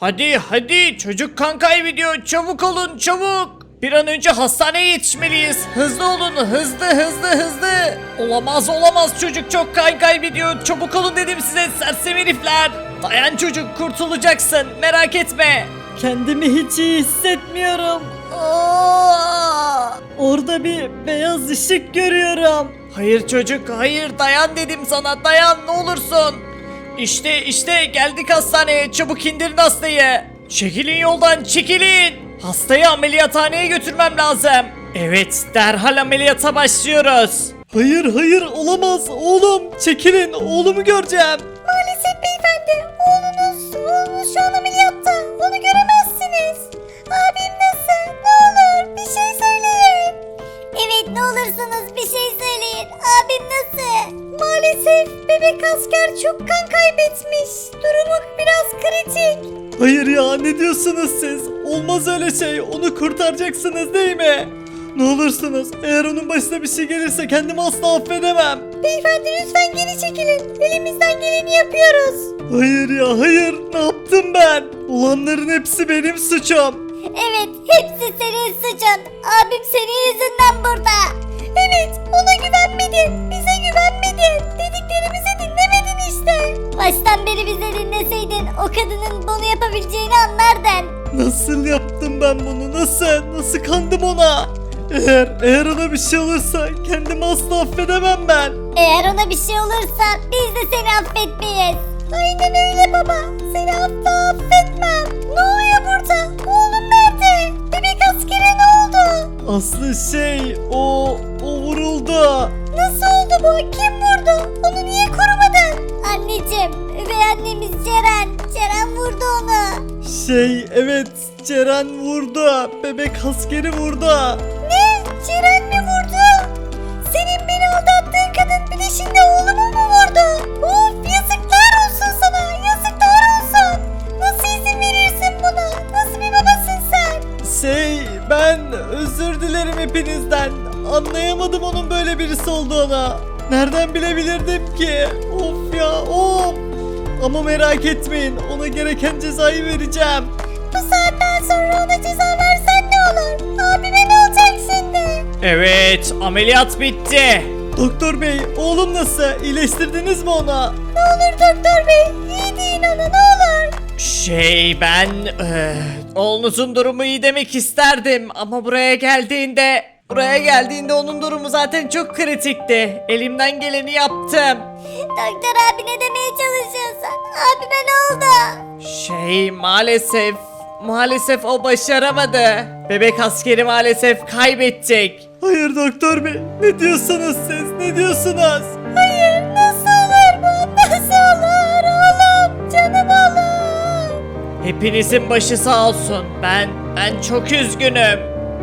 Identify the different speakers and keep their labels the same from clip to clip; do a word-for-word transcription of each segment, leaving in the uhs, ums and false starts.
Speaker 1: Hadi hadi çocuk kan kaybediyor, çabuk olun çabuk. Bir an önce hastaneye yetişmeliyiz. Hızlı olun, hızlı hızlı hızlı. Olamaz olamaz, çocuk çok kan kaybediyor. Çabuk olun dedim size sersem herifler. Dayan çocuk, kurtulacaksın, merak etme.
Speaker 2: Kendimi hiç iyi hissetmiyorum. Aa! Orada bir beyaz ışık görüyorum.
Speaker 1: Hayır çocuk, hayır, dayan dedim sana, dayan ne olursun. İşte işte geldik hastaneye, çabuk indirin hastayı. Çekilin yoldan, çekilin. Hastayı ameliyathaneye götürmem lazım. Evet, derhal ameliyata başlıyoruz.
Speaker 2: Hayır hayır olamaz oğlum çekilin oğlumu göreceğim.
Speaker 3: Maalesef beyefendi, oğlunuz, oğlunuz şu an ameliyatta. Onu göremezsiniz. Abim nasıl? Ne olur bir şey söyleyin. Evet, ne olursunuz bir şey söyleyin. Abim nasıl? Maalesef bebek asker çok kan kaybetmiş. Durumu biraz kritik.
Speaker 2: Hayır ya ne diyorsunuz siz? Olmaz öyle şey onu kurtaracaksınız değil mi? Ne olursunuz eğer onun başına bir şey gelirse kendimi asla affedemem.
Speaker 3: Beyefendi lütfen geri çekilin. Elimizden geleni yapıyoruz.
Speaker 2: Hayır ya hayır ne yaptım ben? Olanların hepsi benim suçum.
Speaker 3: Evet, hepsi senin suçun. Abim senin yüzünden burada. Evet, ona güvenmedin. Bize güvenmedin. Dediklerimizi dinlemedin işte. Baştan beri bize dinleseydin o kadının bunu yapabileceğini anlardın.
Speaker 2: Nasıl yaptım ben bunu nasıl? Nasıl kandım ona? Eğer, eğer ona bir şey olursa kendimi asla affedemem ben.
Speaker 3: Eğer ona bir şey olursa biz de seni affetmeyiz. Aynen öyle baba. Seni asla affetmem. Ne oluyor burada? Oğlum nerede? Bebek askere ne oldu?
Speaker 2: Aslı şey o, o vuruldu.
Speaker 3: Nasıl oldu bu? Kim vurdu? Onu niye korumadın? Anneciğim, üvey annemiz Ceren. Ceren vurdu onu.
Speaker 2: Şey evet Ceren vurdu. Bebek askeri vurdu.
Speaker 3: Ne? Ceren mi vurdu? Senin beni aldattığın kadın bir de şimdi oğlumu mu vurdu? Of, yazıklar olsun sana. Yazıklar olsun. Nasıl izin verirsin buna? Nasıl bir babasın sen?
Speaker 2: Şey ben özür dilerim hepinizden. Anlayamadım onun böyle birisi olduğunu. Nereden bilebilirdim ki? Of ya of. Ama merak etmeyin ona gereken cezayı vereceğim.
Speaker 3: Bu saatten sonra ona ceza versen ne olur? Abime ne olacak şimdi?
Speaker 1: Evet, ameliyat bitti.
Speaker 2: Doktor bey oğlum nasıl? İyileştirdiniz mi ona?
Speaker 3: Ne olur doktor bey, iyi deyin ona ne olur.
Speaker 1: Şey ben eee, oğlunuzun durumu iyi demek isterdim ama buraya geldiğinde buraya geldiğinde onun durumu zaten çok kritikti. Elimden geleni yaptım.
Speaker 3: Doktor abi ne demeye çalışıyorsun? Abime ne oldu?
Speaker 1: Şey maalesef maalesef o başaramadı. Bebek askeri maalesef kaybedecek.
Speaker 2: Hayır doktor bey ne diyorsunuz siz ne diyorsunuz?
Speaker 3: Hayır, nasıl olur bu? Nasıl olur oğlum? Canım oğlum.
Speaker 1: Hepinizin başı sağ olsun. Ben ben çok üzgünüm.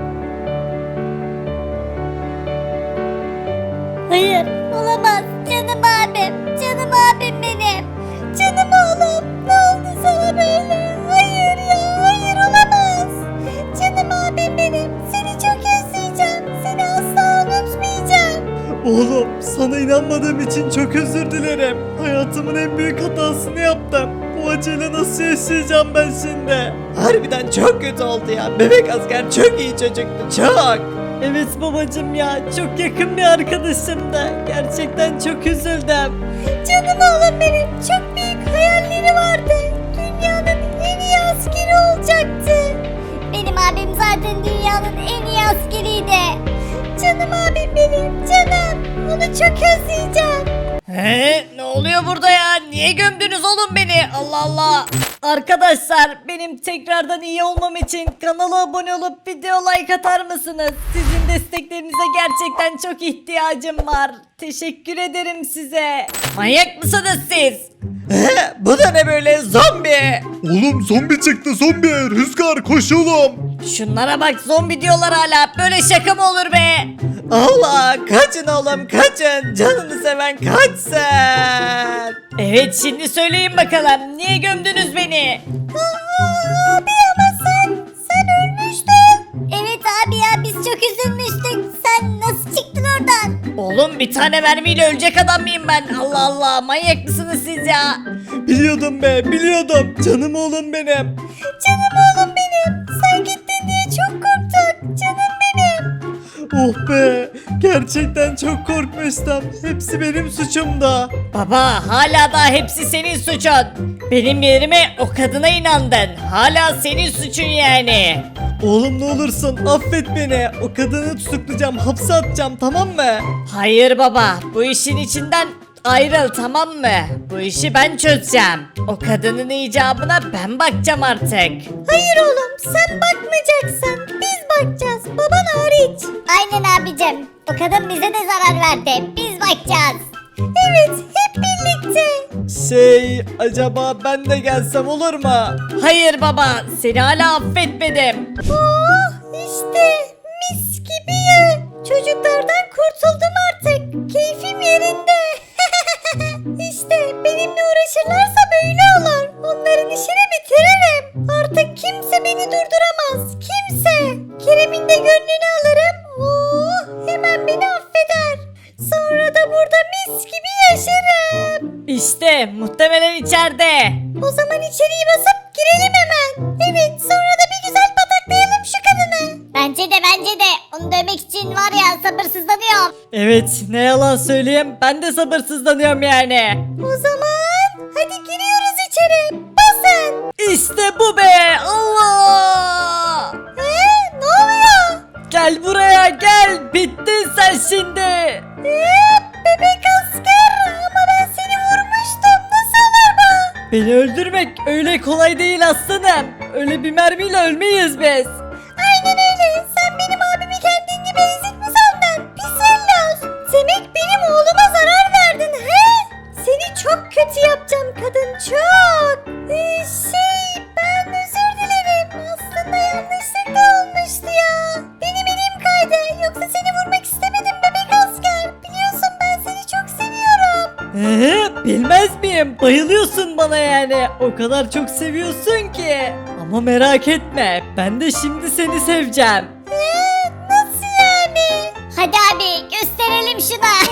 Speaker 3: Hayır, olamaz. Canım abim, canım abim benim. Canım oğlum, ne oldu sana böyle? Hayır ya, hayır olamaz. Canım abim benim, seni çok özleyeceğim. Seni asla unutmayacağım.
Speaker 2: Oğlum sana inanmadığım için çok özür dilerim. Hayatımın en büyük hatasını yaptım. Bu acıyla nasıl yaşayacağım ben şimdi?
Speaker 1: Harbiden çok kötü oldu ya. Bebek asker çok iyi çocuktu. Çok.
Speaker 2: Evet babacım ya çok yakın bir arkadaşımdı. Gerçekten çok üzüldüm.
Speaker 3: Canım oğlum benim, çok büyük hayalleri vardı. Dünyanın en iyi askeri olacaktı. Benim abim zaten dünyanın en iyi askeriydi. Canım abim benim, canım. Onu çok özleyeceğim.
Speaker 1: He? Ne oluyor burada ya? Niye gömdünüz oğlum beni? Allah Allah.
Speaker 2: Arkadaşlar benim tekrardan iyi olmam için kanala abone olup video like atar mısınız? Sizin desteklerinize gerçekten çok ihtiyacım var. Teşekkür ederim size.
Speaker 1: Manyak mısınız siz? He? Bu da ne böyle zombi?
Speaker 4: Oğlum zombi çıktı zombi. Rüzgar koş oğlum.
Speaker 1: Şunlara bak, zombi diyorlar hala. Böyle şaka mı olur be? Allah, kaçın oğlum kaçın. Canını seven kaçsın. Evet, şimdi söyleyin bakalım. Niye gömdünüz beni?
Speaker 3: Aa, abi ama sen, sen ölmüştün. Evet abi ya, biz çok üzülmüştük. Sen nasıl çıktın oradan?
Speaker 1: Oğlum bir tane mermiyle ölecek adam mıyım ben? Allah Allah, manyak mısınız siz ya?
Speaker 2: Biliyordum be biliyordum. Canım oğlum benim.
Speaker 3: Canım oğlum benim. Sen gittin diye çok korktuk. Canım benim.
Speaker 2: Oh be. Gerçekten çok korkmuştum. Hepsi benim suçumda.
Speaker 1: Baba hala da hepsi senin suçun. Benim yerime o kadına inandın. Hala senin suçun yani.
Speaker 2: Oğlum ne olursun affet beni. O kadını tutuklayacağım. Hapse atacağım tamam mı?
Speaker 1: Hayır baba, bu işin içinden ayrıl tamam mı? Bu işi ben çözeceğim. O kadının icabına ben bakacağım artık.
Speaker 3: Hayır oğlum sen bakmayacaksın. Biz bakacağız. Baban hariç. Aynen abicim. O kadın bize de zarar verdi. Biz bakacağız. Evet hep birlikte.
Speaker 2: Şey acaba ben de gelsem olur mu?
Speaker 1: Hayır baba, seni hala affetmedim.
Speaker 3: Oh işte mis gibi ya. Çocuklardan kurtuldum artık. Keyfim yerinde. İşte benimle uğraşırlarsa böyle olur. Onların işini bitiririm. Artık kimse beni durduramaz. Kimse. Kerem'in de gönlünü alırım. Oh hemen beni affeder. Sonra da burada mis gibi yaşarım.
Speaker 1: İşte muhtemelen içeride.
Speaker 3: O zaman içeriği basıp girelim hemen. Evet sonra da bir güzel pataklayalım şu kadını. Bence de bence de. Onu dövmek için var ya sabırsızlanıyorum.
Speaker 1: Evet, ne yalan söyleyeyim, ben de sabırsızlanıyorum yani.
Speaker 3: O zaman hadi giriyoruz içeri. Basın.
Speaker 1: İşte bu be, Allah!
Speaker 3: Ee, ne oluyor?
Speaker 1: Gel buraya gel, bittin sen şimdi.
Speaker 3: Ee, bebek asker ama ben seni vurmuştum. Nasıl olur bu?
Speaker 1: Beni öldürmek öyle kolay değil aslanım. Öyle bir mermiyle ölmeyiz biz.
Speaker 3: Aynen öyle. Sen benim abimi kendin gibi ezik mi sandın? Pis velloz. Demek benim oğluma zarar verdin he? Seni çok kötü yapacağım kadın çok. Ee, şey ben özür dilerim. Aslında yanlışlıkla olmuştu ya. Benim elim kaydı. Yoksa seni vurmak istemedim bebek asker. Biliyorsun ben seni çok seviyorum.
Speaker 1: Ee, bilmez miyim? Bayılıyorsun bana yani. O kadar çok seviyorsun ki. Ama merak etme, ben de şimdi seni seveceğim.
Speaker 3: Ee, nasıl yani? Hadi abi gösterelim şuna.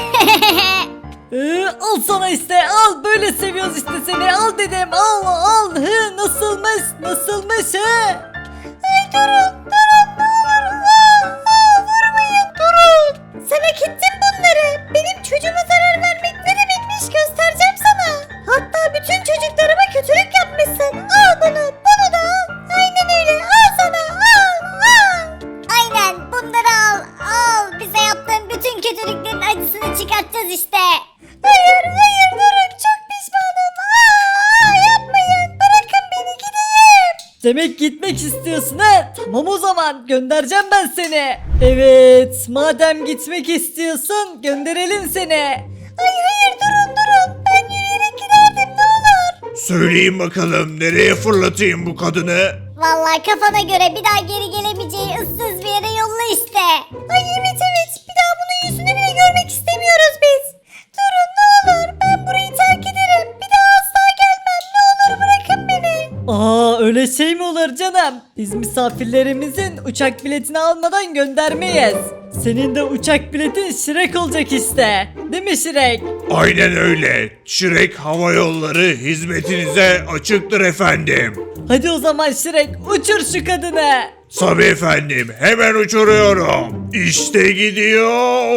Speaker 1: Ee, al sana işte, al, böyle seviyoruz işte seni, al dedim, al al. Hı, nasılmış, nasılmış he?
Speaker 3: Ay durun durun ne olur. Aa, aa, vurmayın durun. Sen hak ettin bunları. Benim çocuğuma zarar vermek ne demekmiş göstereceğim sana. Hatta bütün çocuklarıma kötülük yapmışsın. Al bunu bunu da al. Aynen öyle al sana al al. Aynen bunları al al. Bize yaptığın bütün kötülüklerin acısını çıkartacağız işte. Hayır hayır durun çok pişmanım. Aa, yapmayın bırakın beni gideyim.
Speaker 1: Demek gitmek istiyorsun ha? Tamam o zaman, göndereceğim ben seni. Evet, madem gitmek istiyorsun, gönderelim seni.
Speaker 3: Ay hayır durun durun. Ben yürüyerek giderdim ne olur.
Speaker 4: Söyleyin bakalım nereye fırlatayım bu kadını?
Speaker 3: Vallahi kafana göre bir daha geri gelemeyeceği ıssız bir yere yolla işte. Ay evet evet. Bir daha bunun yüzünü bile görmek istemiyoruz biz. Durun ne olur. Ben burayı terk ederim. Bir daha asla gelmem. Ne olur bırakın beni.
Speaker 1: Aa, öyle şey mi olur canım? Biz misafirlerimizin uçak biletini almadan göndermeyiz. Senin de uçak biletin Şirek olacak işte. Değil mi Şirek?
Speaker 4: Aynen öyle. Şirek Hava Yolları hizmetinize açıktır efendim.
Speaker 1: Hadi o zaman Şirek, uçur şu kadını.
Speaker 4: Tabii efendim, hemen uçuruyorum. İşte gidiyor.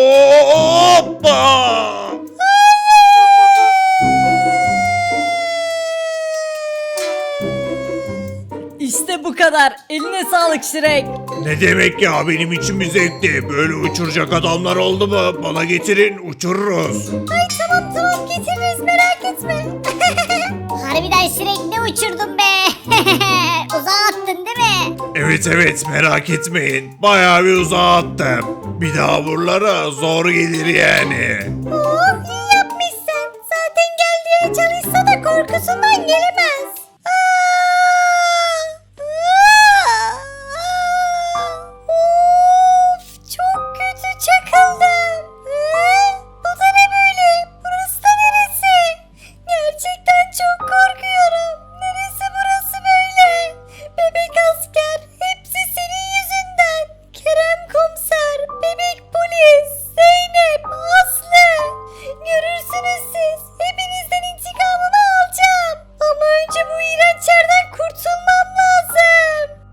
Speaker 4: Hoppa!
Speaker 1: İşte bu kadar. Eline sağlık Şirek.
Speaker 4: Ne demek ya, benim için bir zevkti. Böyle uçuracak adamlar oldu mu bana getirin, uçururuz.
Speaker 3: Ay tamam tamam getiririz merak etme. Harbiden Şirek ne uçurdun be. Uzağa attın değil mi?
Speaker 4: Evet evet, merak etmeyin. Bayağı bir uzağa attım. Bir daha buralara zor gelir yani.
Speaker 3: Oh iyi yapmışsın. Zaten geldiğe çalışsa da korkusundan gelemez.